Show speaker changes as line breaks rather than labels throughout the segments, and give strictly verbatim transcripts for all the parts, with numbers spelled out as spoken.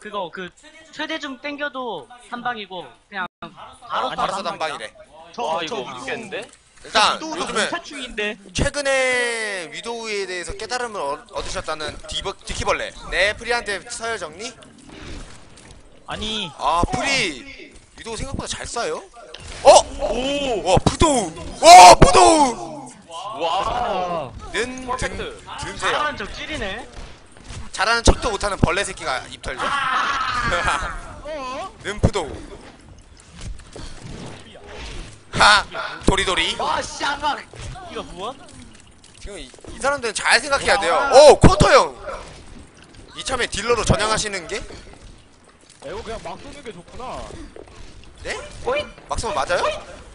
그거 그 최대 중 땡겨도 한 방이고 그냥 바로
아,
쏴도
바로
한
써도 한
방이야.
방이래.
와
저,
이거
저,
모르겠는데?
일단
또
요즘에
차충인데.
최근에 위도우에 대해서 깨달음을 얻- 얻으셨다는 디버, 디키벌레. 네, 프리한테 서열 정리?
아니
아, 프리 위도우 생각보다 잘 쏴요? 어?
오!
와, 푸도우! 와, 푸도우!
와!
는, 든,
퍼펙트.
든세요.
잘하는 적 찌리네.
잘하는 척도 못하는 벌레 새끼가 입 털죠? 는 푸도우. 하! 도리도리.
와 쌍각. 이거 무엇?
지금 이, 이 사람들은 잘 생각해야 돼요. 오, 쿼터 형! 이참에 딜러로 전향하시는 게?
이거 그냥 막 쏘는 게 좋구나.
네? 막 쏘면 맞아요?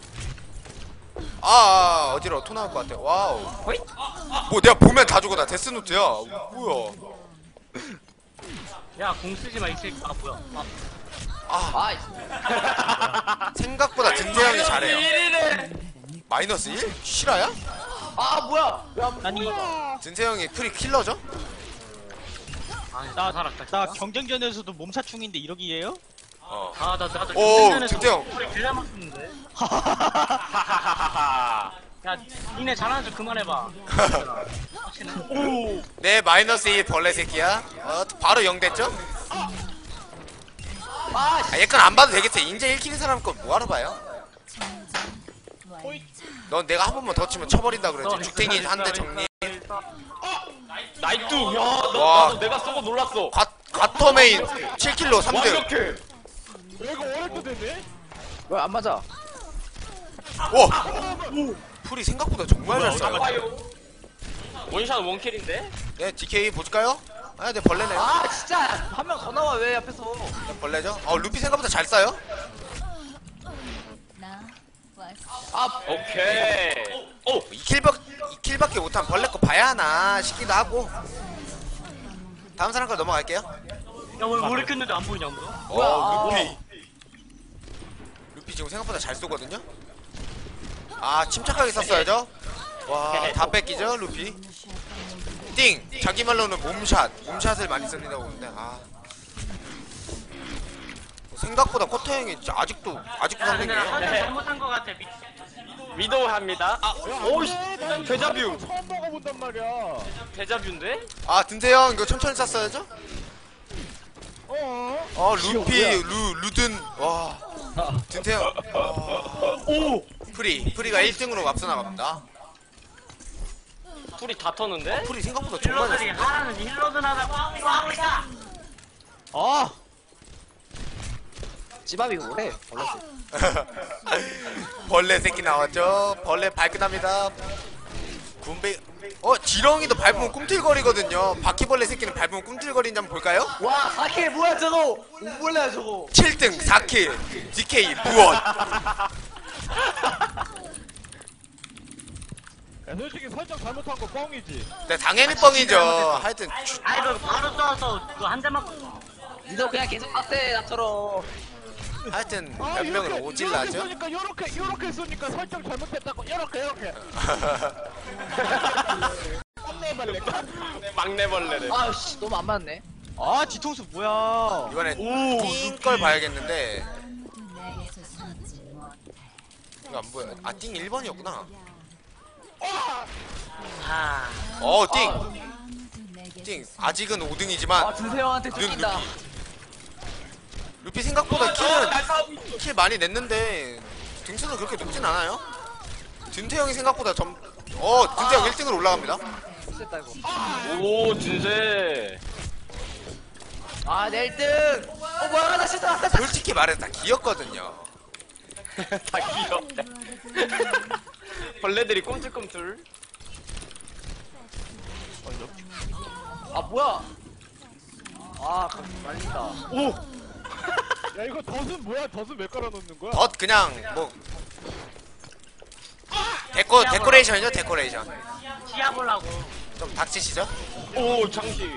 아, 아 어디로 토 나올 것 같아. 와우. 뭐 내가 보면 다 죽어. 나 데스노트야. 뭐야?
야 공 쓰지 마 이 새끼. 아 뭐야? 아,
아, 생각보다 든세형이 잘해요. 마이너스 일? 실화야?
아 뭐야?
아니
든세형이 프리 킬러죠?
아,
나-
살았다.
나
진짜.
경쟁전에서도 몸차충인데 이러기예요?
어.
아, 나 나도
오,
경쟁전에서
진짜요?
소리 개잘 맞았는데.
하하하하.
야, 니네 잘하는 척 그만해봐.
오
네, 마이너스 일 벌레 새끼야. 어, 바로 영 됐죠? 아, 얘건 안 봐도 되겠지. 인제 일 킬인 사람 건 뭐하러 봐요? 넌 내가 한 번만 더 치면 쳐버린다 그랬지. 죽탱이 한 대 정리.
나이트! 야, 너,
와.
나도 내가 쏘고 놀랐어.
과, 과터메인 칠 킬로 삼 등.
완벽해.
이거 오랫도 됐네?
왜 안 맞아?
와! 풀이 생각보다 정말 잘 쏴요.
봐요. 원샷 원킬인데?
네, 디케이 볼까요? 아, 네, 벌레네요.
아 진짜 한 명 더 나와 왜 앞에서?
네, 벌레죠? 어, 루피 생각보다 잘 쏴요?
아
오케이. 오!
이 킬밖, 이 킬밖에 못한 벌레 거 봐야 하나 싶기도 하고. 다음 사람 거 넘어갈게요.
야, 왜 머리 켰는데 안 보이냐, 아무도?
어, 루피. 루피 지금 생각보다 잘 쏘거든요? 아, 침착하게 쐈어야죠? 와, 다 뺏기죠, 루피? 띵! 자기 말로는 몸샷. 몸샷을 많이 쓴다고 보는데, 아. 생각보다 쿼터 형이 진짜 아직도, 아직도
야, 근데 나
삼 등이에요.
설정 잘못한 거 같아. 미...
위도우 합니다. 아, 오이씨! 데자뷰!
처음 먹어본단 말이야.
데자뷰인데?
아, 든세 형, 이거 천천히 쐈어야죠?
어?
어, 루피, 루, 루든, 와. 든세 형. 오! 프리, 프리가 일 등으로 앞서 나갑니다.
풀이 다 터는데?
프리 생각보다 정말 잘
힐러들이
쏜다.
하라는 힐러든 하다고 하고 있다.
아
찌밥이 뭐래? 벌레.
벌레 새끼 나왔죠? 벌레 발끈합니다. 군배, 어, 지렁이도 밟으면 꿈틀거리거든요. 바퀴벌레 새끼는 밟으면 꿈틀거리는지 한번 볼까요?
와 사케 뭐야 저거? 몰라요 저거.
칠 등 사 킬 디케이 무엇?
야, 솔직히 설정 잘못한 거 뻥이지.
네, 당연히 뻥이죠. 하여튼 주-
아이, 그 바로 쏴서 그거 한 대 맞고.
니도 그냥 계속 빡대 나처럼.
하여튼
아,
몇
이렇게,
명을 오질라죠?
이렇게 쏘니까 요렇게 요렇게 쏘니까 설정 잘못했다고 요렇게 요렇게. 깜내발레.
막내벌레를.
아씨 너무 안 맞네.
아 뒤통수 뭐야?
이번에 띵걸 봐야겠는데 이거 안 보여. 아, 띵 일 번이었구나.
아,
어, 띵! 띵! 아직은 오 등이지만
아 준세 형한테
눈
쫓긴다.
루피. 루피 생각보다 킬은 킬 많이 냈는데 등수는 그렇게 높진 않아요. 든태 형이 생각보다 점, 어, 든태 형 일 등으로 올라갑니다.
됐다 이거.
오, 진세.
아내 일 등. 어 뭐야 나 실수 났다.
솔직히 말해서 다 기었거든요.
다 귀엽다. 벌레들이 꿈틀꿈틀.
아 뭐야? 아 말린다.
오. 야 이거 덫은 뭐야? 덫은 왜 깔아놓는 거야?
덧 그냥 뭐 데코 데코레이션이죠, 데코레이션.
시야 보려고.
좀 닥치시죠?
오, 장식.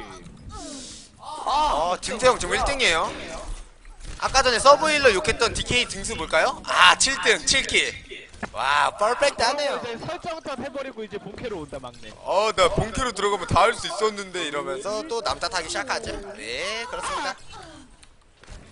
어, 든태 형 지금 일 등이에요. 아까 전에 서브힐러 욕했던 디케이 등수 볼까요? 아, 칠 등 칠 킬. 와, 퍼펙트하네요.
이제 설정 탓 해버리고 이제 본캐로 온다 막내.
어, 나 본캐로 들어가면 다 할 수 있었는데 이러면서 또 남탓하기 시작하죠. 네, 그렇습니다.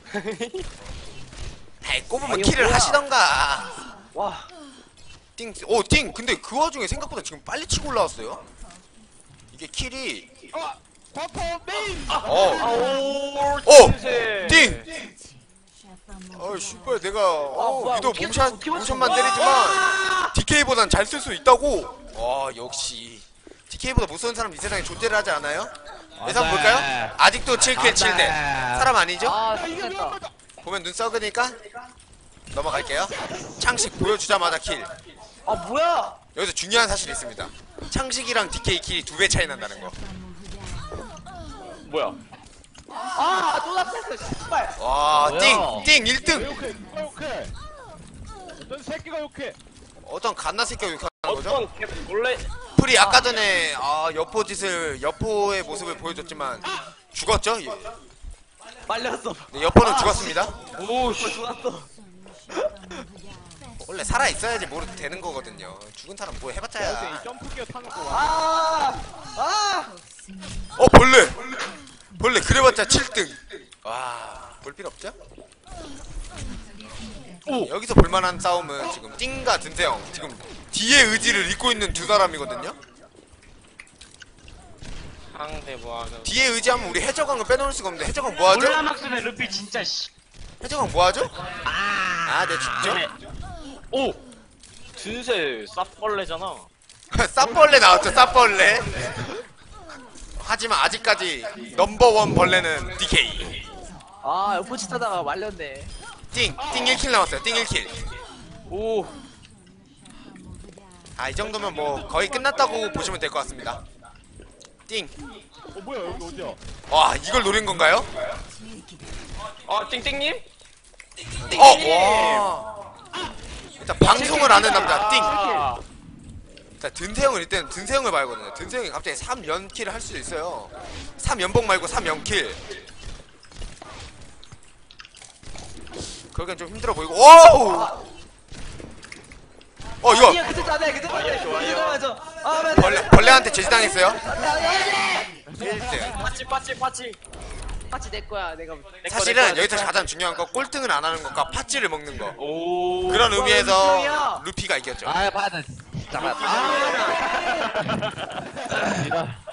에이 꼽으면
아니,
킬을
뭐야.
하시던가.
와.
띵, 오, 띵. 근데 그 와중에 생각보다 지금 빨리 치고 올라왔어요. 이게 킬이,
아, 과포 메인.
어,
아오
오!
진세.
띵! 어이, 씨발, 내가, 어,
뭐야,
유도
어떻게
몸샷,
어떻게 맞춘
모션만
거야?
때리지만, 디케이보단 잘 쓸 수 있다고? 와, 역시. 디케이보다 못 쓰는 사람 이 세상에 존재를 하지 않아요? 예상
네.
볼까요? 아직도 칠 킬 칠 대. 사람 아니죠?
아,
이게
됐다.
위험하다.
보면 눈 썩으니까 넘어갈게요. 창식 보여주자마자 킬.
아, 뭐야?
여기서 중요한 사실이 있습니다. 창식이랑 디케이 킬이 두 배 차이 난다는 거.
뭐야?
아, 또 납했어, 씨발.
와,
뭐야?
띵! 띵! 일
왜
등!
욕해? 누가 욕해? 어떤 새끼가 욕해?
어떤 갓나 새끼가 욕하는 거죠?
어떤 개 원래
풀이 아까 전에 아, 여포 짓을, 여포의 모습을 보여줬지만 죽었죠? 예.
말렸어.
네, 여포는 죽었습니다.
오
씨, 죽었어.
원래 살아있어야지 모르도 되는 거거든요. 죽은 사람 뭐
어제
해봤자야.
이 점프기어 타는 거 와.
아, 아.
어, 벌레! 벌레 그래봤자 칠 등. 와, 볼 필요 없죠? 여기서 볼만한 싸움은 지금 띵과 든세형, 지금 뒤의 의지를 잇고 있는 두 사람이거든요?
상대 뭐하는?
뒤에 의지하면 우리 해적왕을 빼놓을 수가 없는데 해적왕 뭐하죠?
올라막스는 루피 진짜 씨.
해적왕 뭐하죠? 아, 네 죽죠?
오 진세 쌉벌레잖아.
쌉벌레 나왔죠, 쌉벌레. 하지만 아직까지 넘버원 벌레는 디케이.
아, 옆포치 타다가 말렸네.
띵! 띵 일 킬 남았어요, 띵 일 킬.
오
아, 이 정도면 뭐 거의 끝났다고 보시면 될 것 같습니다. 띵!
어 뭐야 여기 어디야?
와, 이걸 노린 건가요?
아 띵띵님?
어! 와! 일단 방송을 아는 남자, 띵!
아,
자, 든세형은 일단 든세형을 봐야거든요. 든세형이 갑자기 삼 연킬을 할 수도 있어요. 삼 연봉 말고 삼 연킬. 그러기엔 좀 힘들어 보이고. 오우! 어, 이거
아니야, 그때 짜네, 그때 짜네.
좋아요.
맞아. 아, 맞아.
벌레, 벌레한테 제지당했어요. 일 등.
빠치 빠치 빠치.
같이 내 거야, 내가.
내 거,
사실은
내 거,
여기서
내 거.
가장 중요한 건 꼴등을 안 하는 것과 팥쥐를 먹는 거.
오
그런
루피야.
의미에서 루피가 이겼죠.
아, 받아. 잠깐. 아,